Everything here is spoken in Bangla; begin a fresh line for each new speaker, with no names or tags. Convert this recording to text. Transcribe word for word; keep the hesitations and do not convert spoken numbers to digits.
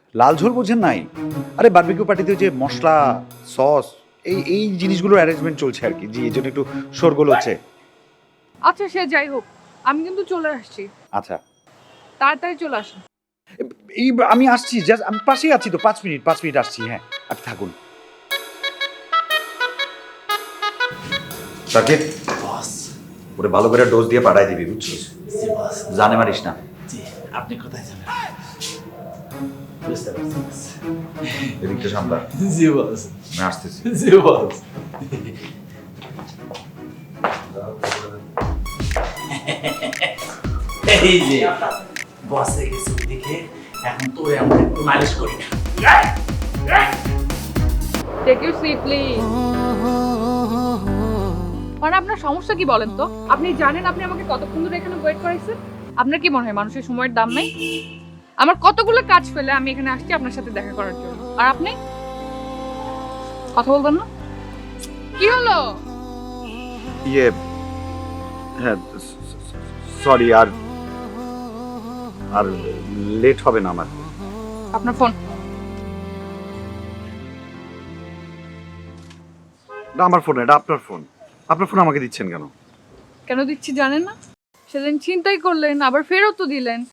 লাল ঝোল বোঝেন নাই? আরে বারবিকিউ পার্টিতে যে মশলা, সস এই এই জিনিসগুলোর অ্যারেঞ্জমেন্ট চলছে আর কি। জি, এই জন্য একটু শোরগোল হচ্ছে।
আচ্ছা সে যাই হোক, আমি কিন্তু চলে আসছি,
আচ্ছা,
তাড়াতাড়ি চলে আসুন।
এই আমি আসছি, জাস্ট আমি পাশেই আছি তো, পাঁচ মিনিট পাঁচ মিনিট আসছি। হ্যাঁ, আপনি থাকুন। সাকিব,
বস।
ওরে ভালো করে ডোজ দিয়ে পাঠাই দিবি, বুঝছিস?
জি বস।
জানে মারিস না।
জি, আপনি কোথায় যাবেন? বুঝতে পারছি বস।
এদিকটা সামলা,
জি বস।
আমি আসতেছি।
জি বস। এই যে বসে গেছে ওইদিকে, এখন তোরে আমরা একটু মালিশ করি না।
Take your seat please. মানে আপনার সমস্যা কি বলেন তো? আপনি জানেন আপনি আমাকে কতক্ষণ ধরে এখানে ওয়েট করাইছেন? আপনার কি মনে হয় মানুষের সময়ের দাম নেই? আমার কতগুলো কাজ ফেলে আমি এখানে আসছি আপনার সাথে দেখা করার জন্য, আর আপনি কথা বলবেন না? কি হলো?
ইয়ে, হ্যাঁ সরি, আর আর লেট হবে না আমার।
আপনার ফোন।
না, আমার ফোন, এটা আপনার ফোন। আপনার ফোন আমাকে দিচ্ছেন কেন?
কেন দিচ্ছি জানেন না? সেদিন চিন্তাই করলেন, আবার ফেরতও দিলেন।